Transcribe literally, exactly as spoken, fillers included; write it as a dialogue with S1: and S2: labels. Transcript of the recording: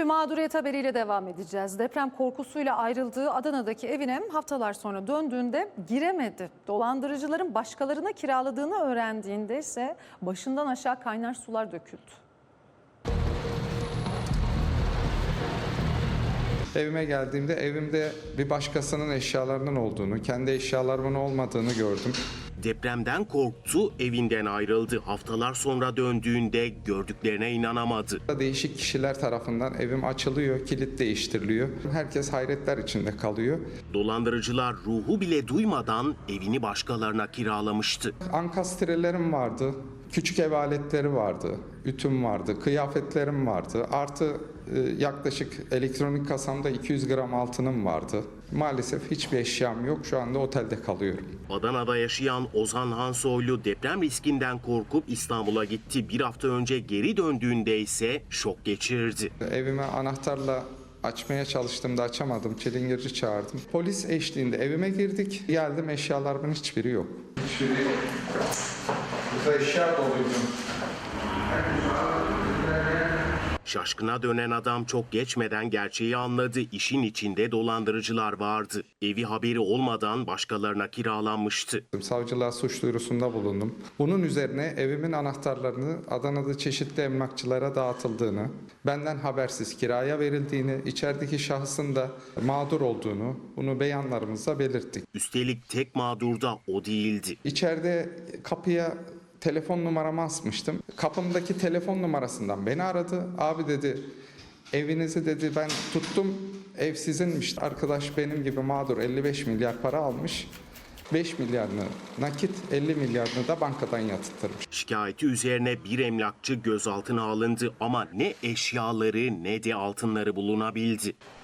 S1: bir mağduriyet haberiyle devam edeceğiz. Deprem korkusuyla ayrıldığı Adana'daki evine haftalar sonra döndüğünde giremedi. Dolandırıcıların başkalarına kiraladığını öğrendiğinde ise başından aşağı kaynar sular döküldü.
S2: Evime geldiğimde evimde bir başkasının eşyalarının olduğunu, kendi eşyalarımın olmadığını gördüm.
S3: Depremden korktu, evinden ayrıldı. Haftalar sonra döndüğünde gördüklerine inanamadı.
S2: Değişik kişiler tarafından evim açılıyor, kilit değiştiriliyor. Herkes hayretler içinde kalıyor.
S3: Dolandırıcılar ruhu bile duymadan evini başkalarına kiralamıştı.
S2: Ankastrelerim vardı, küçük ev aletleri vardı, ütüm vardı, kıyafetlerim vardı. Artı e, yaklaşık elektronik kasamda iki yüz gram altınım vardı. Maalesef hiçbir eşyam yok. Şu anda otelde kalıyorum.
S3: Adana'da yaşayan Ozan Hansoylu deprem riskinden korkup İstanbul'a gitti. Bir hafta önce geri döndüğünde ise şok geçirdi.
S2: Evime anahtarla açmaya çalıştığımda açamadım. Çilingirci çağırdım. Polis eşliğinde evime girdik. Geldim, eşyalarımın hiçbiri yok. Hiçbiri yok. Burada eşya doluydu.
S3: Şaşkına dönen adam çok geçmeden gerçeği anladı. İşin içinde dolandırıcılar vardı. Evi haberi olmadan başkalarına kiralanmıştı.
S2: Savcılığa suç duyurusunda bulundum. Bunun üzerine evimin anahtarlarını Adana'da çeşitli emlakçılara dağıtıldığını, benden habersiz kiraya verildiğini, içerideki şahsın da mağdur olduğunu, bunu beyanlarımızda belirttik.
S3: Üstelik tek mağdur da o değildi.
S2: İçeride kapıya telefon numaramı asmıştım. Kapımdaki telefon numarasından beni aradı. Abi dedi, evinizi dedi ben tuttum, ev sizinmiş. Arkadaş benim gibi mağdur, elli beş milyar para almış. beş milyarını nakit, elli milyarını da bankadan yatırtırmış.
S3: Şikayeti üzerine bir emlakçı gözaltına alındı ama ne eşyaları ne de altınları bulunabildi.